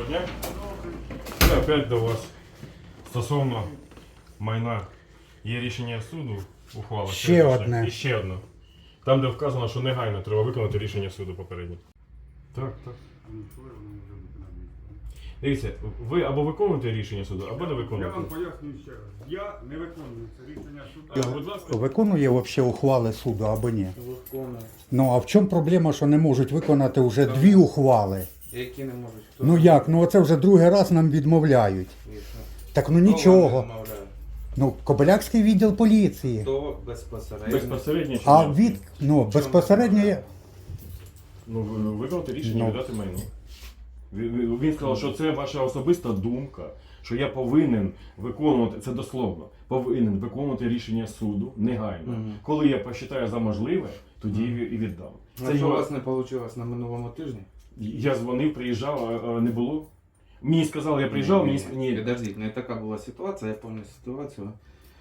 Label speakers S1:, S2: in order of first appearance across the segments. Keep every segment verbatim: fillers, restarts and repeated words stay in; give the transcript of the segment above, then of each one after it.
S1: дня. І опять до вас стосовно майна. Є рішення суду, ухвала.
S2: Ще одне.
S1: І ще одне. Там, де вказано, що негайно треба виконати рішення суду попереднє. Так, так. Дивіться, ви або виконуєте рішення суду, або не
S3: Я
S1: виконуєте.
S3: вам пояснюю ще раз. Я не виконую це рішення суду.
S1: А, будь ласка.
S2: Виконує взагалі ухвали суду або ні?
S4: Виконує.
S2: Ну а в чому проблема, що не можуть виконати вже дві ухвали?
S4: Які не можуть? Хто?
S2: Ну як? Ну оце вже другий раз нам відмовляють.
S4: І що?
S2: Так ну
S4: Хто
S2: нічого.
S4: вам відмовляє?
S2: Ну, Кобилякський відділ поліції.
S4: Хто безпосередньо?
S1: Безпосередньо чи
S2: А
S1: ні?
S2: від, ну, безпосередньо є.
S1: Ну, ви виконати рішення
S2: Ну.
S1: віддати майно. Він- Він він сказав, що це ваша особиста думка, що я повинен виконувати, це дословно, повинен виконувати рішення суду негайно.
S4: Мгм.
S1: Коли я посчитаю за можливе, тоді і і віддам.
S4: Це
S1: Це
S4: що у
S1: його...
S4: вас не вийшло на минулому тижні?
S1: Я дзвонив, приїжджав, а, а не було. Мені сказали, я приїжджав, мені с- ні.
S4: Підождіть, не така була ситуація, я пам'ятаю ситуацію.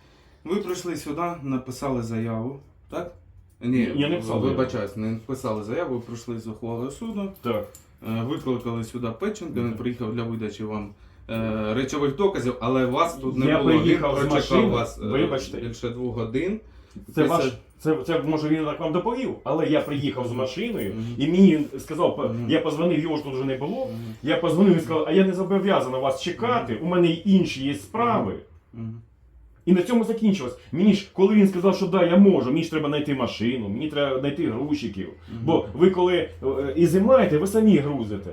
S4: Ви прийшли сюди, написали заяву, так? Ні,
S1: Я не писав
S4: вибачаюсь, не написали заяву, ви прийшли з ухвалою суду,
S1: Так.
S4: е, викликали сюди Печенка, він приїхав для видачі вам е, речових доказів, але вас тут не
S1: Я
S4: було. Він
S1: приїхав з
S4: прочекав
S1: машини,
S4: вас е,
S1: вибачте.
S4: більше двох годин.
S1: Це
S4: Після-
S1: ваш, це, це може він так вам доповів, але я приїхав з машиною
S4: Мгм.
S1: і мені сказав, по-
S4: Мгм.
S1: я позвонив, його ж тут вже не було.
S4: Мгм.
S1: Я позвонив і сказав, а я не зобов'язаний вас чекати, у мене й інші є справи.
S4: Мгм.
S1: І на цьому закінчилось. Мені ж, коли він сказав, що да, я можу, мені ж треба знайти машину, мені треба знайти грузчиків. Бо ви коли е, і знімаєте, ви самі грузите.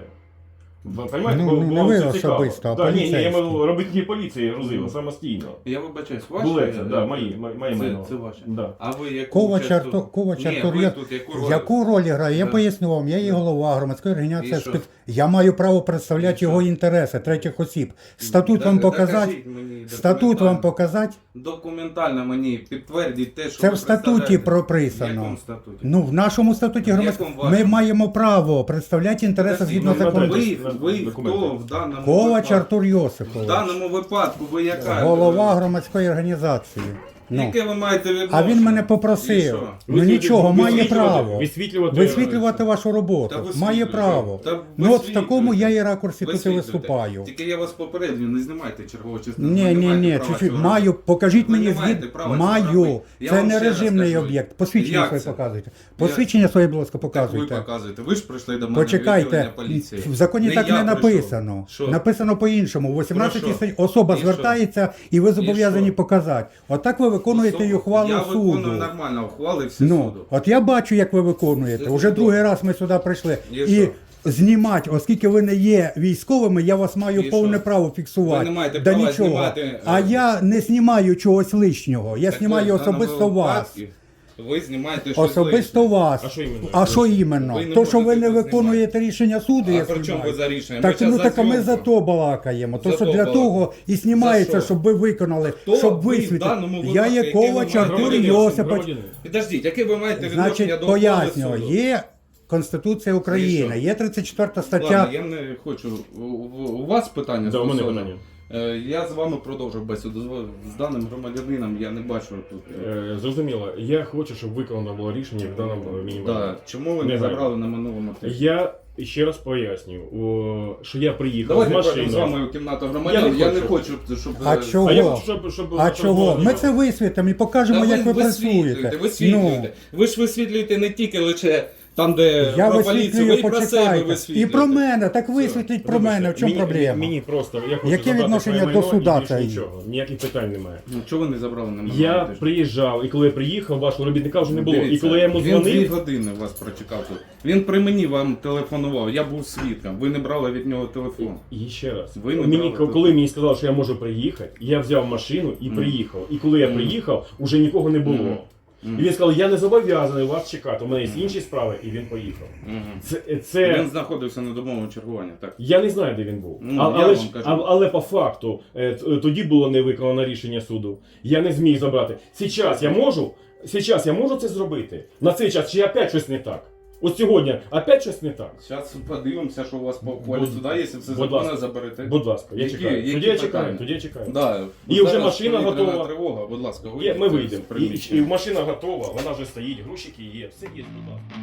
S1: Ви розумієте?
S2: Ну,
S1: Бо-
S2: не
S1: бо
S2: ви
S1: це цікаво.
S2: особисто, а
S1: Да, ні, ні, я
S2: поліцейські.
S1: маю робити поліції грузила самостійно.
S4: Я вибачаюсь, ваші?
S1: Були це, да, мої, мої, мої
S4: Це,
S1: майно.
S4: це ваше.
S1: Да.
S4: А ви яку
S2: Ковач
S4: часто-
S2: Артур, Ковач
S4: Ні,
S2: Артур,
S4: ви
S2: я-
S4: тут яку роль?
S2: яку роль грає? Я
S4: Да.
S2: поясню вам, я є голова громадської організації.
S4: І що?
S2: спец- Я маю право представляти
S4: І що?
S2: його інтереси третіх осіб. Статут
S4: Да-
S2: вам
S4: докажіть
S2: показати?
S4: мені
S2: Статут вам
S4: документально.
S2: показати?
S4: Документально мені підтвердіть те, що
S2: Це
S4: ви
S2: в статуті
S4: представляєте. В
S2: прописано.
S4: якому статуті?
S2: Ну, в нашому статуті
S4: В
S2: громадської
S4: якому
S2: ми
S4: вашому?
S2: маємо право представляти інтереси
S4: Подождіть,
S2: згідно
S1: ну,
S2: закону.
S1: смотрите.
S4: Ви, ви
S1: Документи.
S4: хто в даному
S2: Ковач
S4: випадку?
S2: Артур
S4: В
S2: Йосипович,
S4: даному випадку ви яка?
S2: голова громадської організації. Ну.
S4: Яке ви маєте відношення?
S2: А він мене
S4: І
S2: попросив.
S4: що?
S2: Ну нічого, має право.
S1: Висвітлювати,
S2: Висвітлювати вашу
S4: Та
S2: роботу.
S4: висвітлюйте.
S2: Має право.
S4: Та
S2: Ну от в
S4: висвітлюйте.
S2: такому я і ракурсі тут і
S4: Висвітлюйте.
S2: виступаю.
S4: Тільки я вас попереджую, не знімайте чергову частину.
S2: Ні,
S4: Ви не
S2: ні,
S4: маєте
S2: ні,
S4: права
S2: чуть-чуть.
S4: цього
S2: Маю,
S4: робити.
S2: покажіть
S4: Ви
S2: мені
S4: не
S2: звід.
S4: маєте права цього
S2: Маю.
S4: робити. Я
S2: Це
S4: вам
S2: не
S4: ще раз
S2: режимний
S4: кажу.
S2: об'єкт. Посвідчення
S4: Як
S2: своє
S4: це?
S2: показуйте. Посвідчення своє, будь ласка,
S4: Так ви
S2: показуйте.
S4: показуєте. Ви ж прийшли до мене в
S2: Почекайте,
S4: відділення поліції.
S2: в законі так
S4: я
S2: не
S4: прийшов.
S2: написано.
S4: Що?
S2: Написано по-іншому. В вісімнадцятій
S4: Про що?
S2: статті особа
S4: І що?
S2: звертається і ви зобов'язані
S4: що?
S2: показати. Отак ви виконуєте
S4: Особу-
S2: і ухвалу
S4: Я
S2: суду.
S4: виконую нормально ухвали всі
S2: Ну,
S4: суду.
S2: от я бачу, як ви виконуєте.
S4: Це
S2: Уже
S4: чудово.
S2: другий раз ми сюди прийшли.
S4: І
S2: І
S4: що?
S2: знімати, оскільки ви не є військовими, я вас маю
S4: І
S2: повне
S4: що?
S2: право фіксувати.
S4: Ви не маєте
S2: да
S4: права
S2: нічого.
S4: знімати,
S2: А
S4: е,
S2: я не знімаю чогось лишнього. Я
S4: Так
S2: знімаю
S4: ви в даному
S2: особисто вас.
S4: випадку Ви знімаєте щось
S2: Особисто
S4: лишнє.
S2: вас.
S1: А що іменно?
S2: А що іменно?
S4: Ви не
S2: То, що ви
S4: можете
S2: не
S4: тут
S2: виконуєте рішення суду,
S4: А
S2: я
S4: при чому
S2: знімаю.
S4: ви за рішення?
S2: Так,
S4: Ми
S2: ну
S4: щас
S2: так а ми
S4: за
S2: за
S4: зйомку.
S2: то балакаємо. То
S4: За
S2: що
S4: то
S2: для
S4: балакаємо.
S2: того і знімається,
S4: За що?
S2: щоб ви виконали,
S4: Хто
S2: щоб
S4: ви в
S2: висвітлити.
S4: даному
S2: Я
S4: випадку,
S2: є
S4: який ви
S2: Ковач
S4: маєте
S2: Артур
S4: громадянин,
S2: Йосипович.
S1: Громадянин.
S4: Підождіть, яке ви маєте відношення
S2: Значить,
S4: до ухвали
S2: пояснюю,
S4: суду?
S2: є Конституція України,
S4: І що?
S2: є тридцять четверта стаття.
S4: Ладно, я не хочу. У, у- у вас питання
S1: Да, у мене
S4: стосовно?
S1: питання.
S4: Е, Я з вами продовжу бесіду. З- З даним громадянином я не бачу тут.
S1: Е, Зрозуміло, я хочу, щоб виконано було рішення в даному мінімумі.
S4: Да. Чому ви не
S1: Негайно.
S4: забрали на минулому тижні?
S1: Я ще раз пояснюю, о, що я приїхав
S4: Давайте
S1: з
S4: пройдемо з
S1: машиною.
S4: вами у кімнату громадян.
S1: Я
S4: Я
S1: не
S4: не
S1: хочу.
S4: хочу, щоб...
S2: А
S4: е,
S2: чого?
S1: А я хочу, щоб, щоб,
S2: А
S1: щоб
S2: чого?
S1: було
S2: Ми
S1: нічого.
S2: це висвітимо і покажемо,
S4: Та
S2: як ви
S4: висвітлюєте,
S2: працюєте.
S4: висвітлюєте.
S2: Ну,
S4: Ви ж висвітлюєте не тільки лише там, де
S2: я
S4: про поліцію, ви
S2: висвітлюю,
S4: і про себе
S2: почекайте. І
S4: висвітлюєте.
S2: про мене, так висвітліть про
S1: Вибачте,
S2: мене, в чому
S1: мені,
S2: проблема?
S1: Мені просто, я хочу
S2: Яке
S1: забрати
S2: відношення
S1: своє
S2: до
S1: майно
S2: суда
S1: і більше
S2: це є?
S1: нічого, ніяких питань немає.
S4: Ну, чого ви не забрали на минулому
S1: Я
S4: тижні?
S1: приїжджав, і коли я приїхав, вашого робітника вже не було.
S4: Дивіться,
S1: І коли я йому
S4: Він дві
S1: дзвонив,
S4: години вас прочекав тут. Він при мені вам телефонував, я був свідком. Ви не брали від нього телефон.
S1: і ще раз,
S4: Ви не
S1: мені,
S4: брали
S1: коли мені сказали, що я можу приїхати, я взяв машину і
S4: Мгм.
S1: приїхав. І коли я
S4: Мгм.
S1: приїхав, уже нікого не було.
S4: Мгм.
S1: І він сказав, я не зобов'язаний вас чекати, у мене є інші справи, і він поїхав.
S4: Мгм.
S1: Це, це...
S4: Він знаходився на домовому чергуванні, так.
S1: Я не знаю, де він був.
S4: Ну,
S1: а,
S4: я
S1: але,
S4: вам
S1: ж,
S4: кажу.
S1: а, але по факту е, т- тоді було не виконано рішення суду. Я не зміг забрати. Сейчас я можу, сейчас я можу це зробити. На цей час чи опять щось не так. От сьогодні опять щось не так.
S4: Зараз подивимося, що у вас по ухвалі
S1: Будь-
S4: суда є, якщо все
S1: будь
S4: законно
S1: ласка.
S4: заберете.
S1: Будь ласка, я
S4: Які-
S1: чекаю.
S4: які
S1: Тоді я
S4: питання?
S1: чекаю, тоді я чекаю.
S4: Да.
S1: І
S4: Зараз
S1: вже машина
S4: повітряна
S1: готова.
S4: Тривога. Будь ласка,
S1: Є,
S4: вийдіть
S1: ми
S4: з
S1: вийдемо. І, і,
S4: приміщення.
S1: і машина готова, вона вже стоїть, грушики є, все є, будь ласка.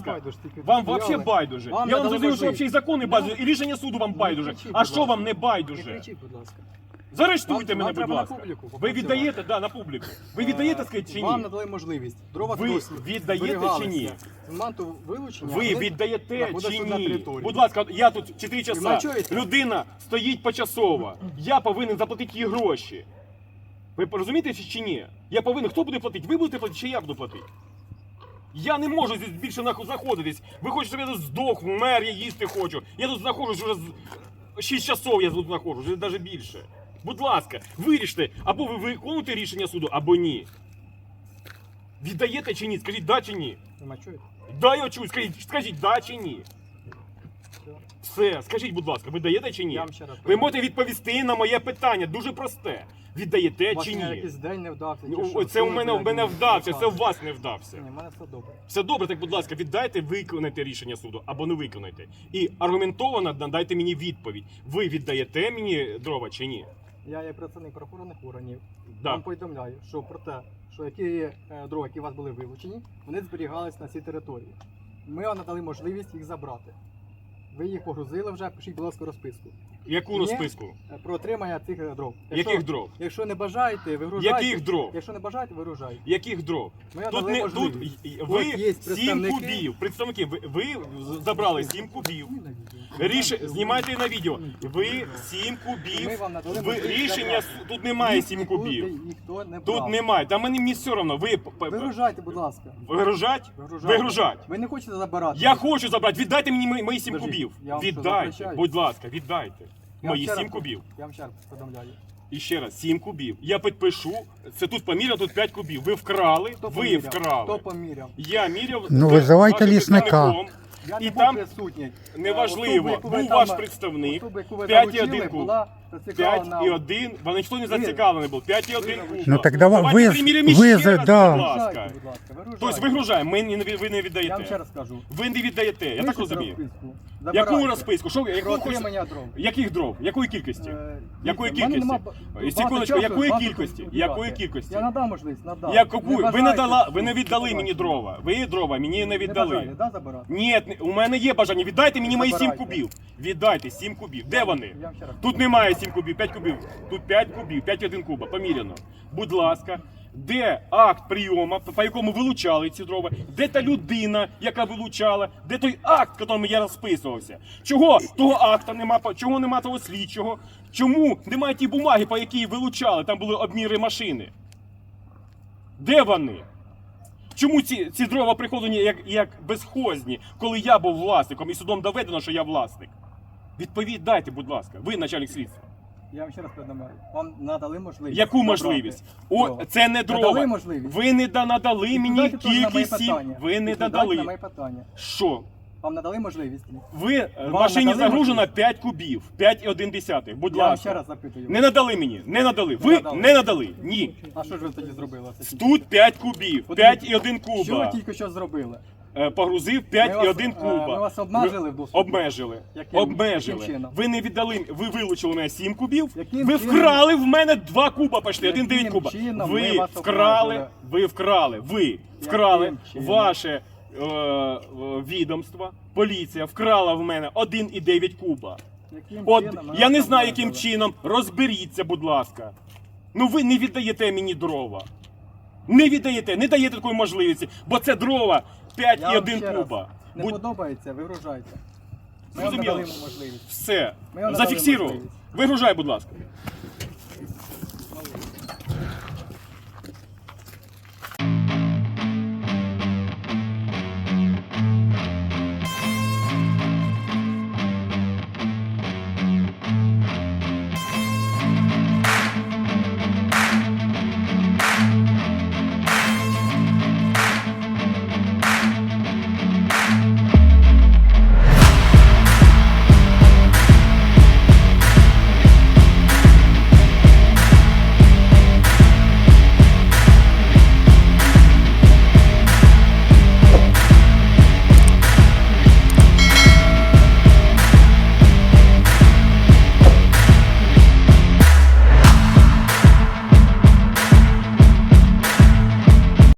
S1: ласка.
S5: байдуже, тільки
S1: Вам
S5: стояли.
S1: взагалі байдуже.
S5: Вам
S1: Я вам
S5: надали
S1: зрозумів, що
S5: можливість.
S1: взагалі і закони
S5: Ну,
S1: байдуже, і рішення суду вам
S5: не
S1: байдуже.
S5: кричіть,
S1: А
S5: будь
S1: що
S5: ласка.
S1: вам не
S5: Не
S1: байдуже?
S5: кричіть, будь ласка.
S1: Заарештуйте
S5: Вам-
S1: мене,
S5: вам
S1: будь
S5: треба на
S1: ласка.
S5: публіку
S1: Ви
S5: попрацювати.
S1: віддаєте, да, на публіку. Ви віддаєте, скажіть, чи
S5: Вам
S1: ні?
S5: надали можливість. Дрова
S1: Ви
S5: досі
S1: віддаєте
S5: зберігалися.
S1: чи ні?
S5: З моменту вилучення
S1: Ви
S5: вони
S1: віддаєте
S5: знаходяться
S1: чи
S5: на
S1: ні?
S5: території.
S1: Будь ласка, я тут чотири часа.
S5: мене чуєте?
S1: Людина стоїть почасово. Я повинен заплатити їй гроші. Ви розумієте чи ні? Я повинен. Хто буде платити? Ви будете платити чи я буду платити? Я не можу здесь більше нахуй знаходитись. Ви хочете, щоб я тут здох, вмер, я їсти хочу. Я тут знаходжусь вже з шість часов, я тут знаходжусь, вже навіть більше. Будь ласка, виріште, або ви виконуєте рішення суду, або ні. Віддаєте чи ні? Скажіть да чи ні?
S5: Ви мене чуєте?
S1: Да, я чую, скажіть, скажіть да чи ні? Все, скажіть, будь ласка, ви даєте чи ні?
S5: Я вам ще раз
S1: Ви можете відповісти на моє питання, дуже просте. Віддаєте
S5: У вас
S1: чи
S5: ні,
S1: ні?
S5: якийсь день не вдався. чи
S1: Ну,
S5: що?
S1: Це у
S5: Що
S1: мене,
S5: ви,
S1: у мене
S5: блядь,
S1: вдався, це у
S5: розказуєте?
S1: вас не вдався.
S5: Ні, в мене все добре.
S1: Все добре, так будь ласка, віддайте, виконайте рішення суду або не виконайте. І аргументовано надайте мені відповідь. Ви віддаєте мені дрова чи ні?
S5: Я є працівник правоохоронних органів.
S1: Да.
S5: Вам повідомляю, що про те, що які е, дрова, які у вас були вилучені, вони зберігались на цій території. Ми вам надали можливість їх забрати. Ви їх погрузили вже, пишіть, будь ласка, розписку.
S1: Яку
S5: Ні.
S1: розписку?
S5: Е, Про отримання цих е, дров.
S1: Яких дров?
S5: Якщо не бажаєте, вигружайте.
S1: Яких дров?
S5: Якщо не бажаєте, вигружайте.
S1: Яких дров?
S5: Ми
S1: Тут
S5: надали
S1: не тут
S5: можливість.
S1: і-
S5: От
S1: ви
S5: є
S1: сім
S5: представники.
S1: кубів. Представники, ви, ви забрали сім кубів.
S5: Ні, на відео.
S1: Ріш... Знімайте на відео. Ви сім
S5: Ми
S1: кубів.
S5: вам надали
S1: Ви...
S5: можливість
S1: Рішення
S5: забрати.
S1: с- тут немає
S5: Їх
S1: сім
S5: нікуди
S1: кубів.
S5: Ніхто не
S1: Тут
S5: брав.
S1: немає. Та мені, мені все одно. Ви п- п-
S5: Вигружайте, будь ласка.
S1: вигружать?
S5: Вигружайте.
S1: Вигружать.
S5: Ви не хочете забирати?
S1: Я хочу забрати. Віддайте мені мої- мої сім
S5: Подождіть,
S1: кубів.
S5: я вам що,
S1: Віддайте.
S5: запрещаю?
S1: Будь ласка, віддайте.
S5: Я вам
S1: Мої
S5: ще
S1: сім
S5: раз-
S1: кубів.
S5: Я вам ще раз повідомляю.
S1: І ще раз, сім кубів. Я підпишу. Це тут поміряно, тут п'ять кубів. Ви вкрали,
S5: Хто
S1: ви
S5: поміряв?
S1: вкрали.
S5: Хто поміряв?
S1: Я міряв.
S2: Ну,
S1: з
S2: визивайте
S1: вашим
S2: лісника.
S1: представником.
S5: Я
S1: І
S5: не
S1: там
S5: був присутній.
S1: Неважливо,
S5: Особу, яку ви
S1: був
S5: там-
S1: ваш представник.
S5: особу, яку ви
S1: п'ять і
S5: залучили,
S1: один куб.
S5: була зацікавлена-
S1: п'ять і один. Вони ніхто не
S5: Ви-
S1: зацікавлений був. п'ять і один
S5: ви-
S1: куб.
S2: Ну так давай,
S1: Давайте
S2: ви,
S1: приміряємо
S2: ви,
S1: ще
S2: за-
S1: раз,
S2: да.
S1: будь ласка.
S5: Вигружайте, будь ласка, вигружайте.
S1: Тобто вигружаємо, ми не, ви не
S5: Я вам ще
S1: віддаєте.
S5: раз кажу.
S1: Ви не віддаєте, я так
S5: Пишіть
S1: розумію.
S5: розписку.
S1: Яку
S5: Забирайте.
S1: розписку? Що,
S5: Про
S1: яку хочете?
S5: отримання дров.
S1: Яких дров? Якої кількості?
S5: Е,
S1: Якої
S5: дивіться, в мене
S1: кількості?
S5: нема ба-
S1: І
S5: багато
S1: секундочку,
S5: часу,
S1: якої
S5: багато
S1: кількості?
S5: консультувати.
S1: Якої кількості?
S5: Я надам можливість, надам.
S1: Я купую. Ви не
S5: бажаєте,
S1: дала, ви не
S5: то
S1: віддали
S5: давайте.
S1: мені дрова. Ви дрова мені не
S5: Не
S1: віддали.
S5: бажаєте, да, забирати?
S1: Ні, у мене є бажання. Віддайте мені мої сім
S5: Забирайте.
S1: кубів. Віддайте сім кубів. Де вони?
S5: Я вам ще раз
S1: Тут немає сім кубів, п'ять кубів. Тут п'ять кубів, п'ять і один куба. Поміряно. Будь ласка, де акт прийому, по якому вилучали ці дрова? Де та людина, яка вилучала? Де той акт, в якому я розписувався? Чого того акта нема? Чого нема того слідчого? Чому немає ті бумаги, по якій вилучали? Там були обміри машини. Де вони? Чому ці, ці дрова приходені як, як безхозні, коли я був власником і судом доведено, що я власник? Відповідь дайте, будь ласка. Ви начальник слідства.
S5: Я вам ще раз повідомляю. Вам надали можливість.
S1: Яку
S5: забрати
S1: можливість? О,
S5: дрова.
S1: це не
S5: Надали
S1: дрова.
S5: можливість.
S1: Ви не да- надали мені
S5: Відповідайте теж на моє
S1: кількість сім.
S5: питання.
S1: Ви не
S5: Відповідайте на моє
S1: надали.
S5: питання.
S1: Що?
S5: Вам надали можливість?
S1: Ви е, в
S5: Вам
S1: машині
S5: надали
S1: загружено
S5: можливість?
S1: п'ять кубів, п'ять і один десятих. Будь
S5: Я вам ще
S1: ласка.
S5: раз запитую.
S1: Не надали мені, не надали.
S5: Не
S1: Ви
S5: надали.
S1: не надали. Ні.
S5: А що ж ви тоді зробили? Це тільки?
S1: Тут п'ять кубів,
S5: От
S1: п'ять і один
S5: Що ви
S1: куба.
S5: тільки що зробили?
S1: Е, Погрузив
S5: Ми
S1: п'ять і
S5: вас,
S1: один
S5: е,
S1: куба.
S5: ми вас обмежили в доступі?
S1: Обмежили.
S5: Яким-
S1: Обмежили.
S5: яким чином?
S1: Ви не віддали, ви вилучили у мене сім кубів,
S5: Яким
S1: ви
S5: чином?
S1: вкрали в мене два куба почти, один
S5: Яким
S1: дев'ять куба.
S5: чином
S1: Ви
S5: ми вас
S1: вкрали,
S5: обмежили?
S1: ви вкрали, ви вкрали
S5: чином?
S1: ваше е, е, відомство, поліція вкрала в мене один і дев'ять куба.
S5: Яким
S1: От
S5: чином ми
S1: я
S5: вас
S1: не знаю, яким
S5: обмежили?
S1: чином. Розберіться, будь ласка. Ну ви не віддаєте мені дрова. Не віддаєте, не даєте такої можливості, бо це дрова п'ять
S5: Я
S1: і
S5: вам
S1: один
S5: ще раз.
S1: куба.
S5: Не
S1: Будь...
S5: подобається, вигружайте. Ми вам
S1: Зрозуміло.
S5: надали можливість.
S1: Все.
S5: Ми вам надали
S1: Зафіксував.
S5: можливість.
S1: Вигружай, будь ласка.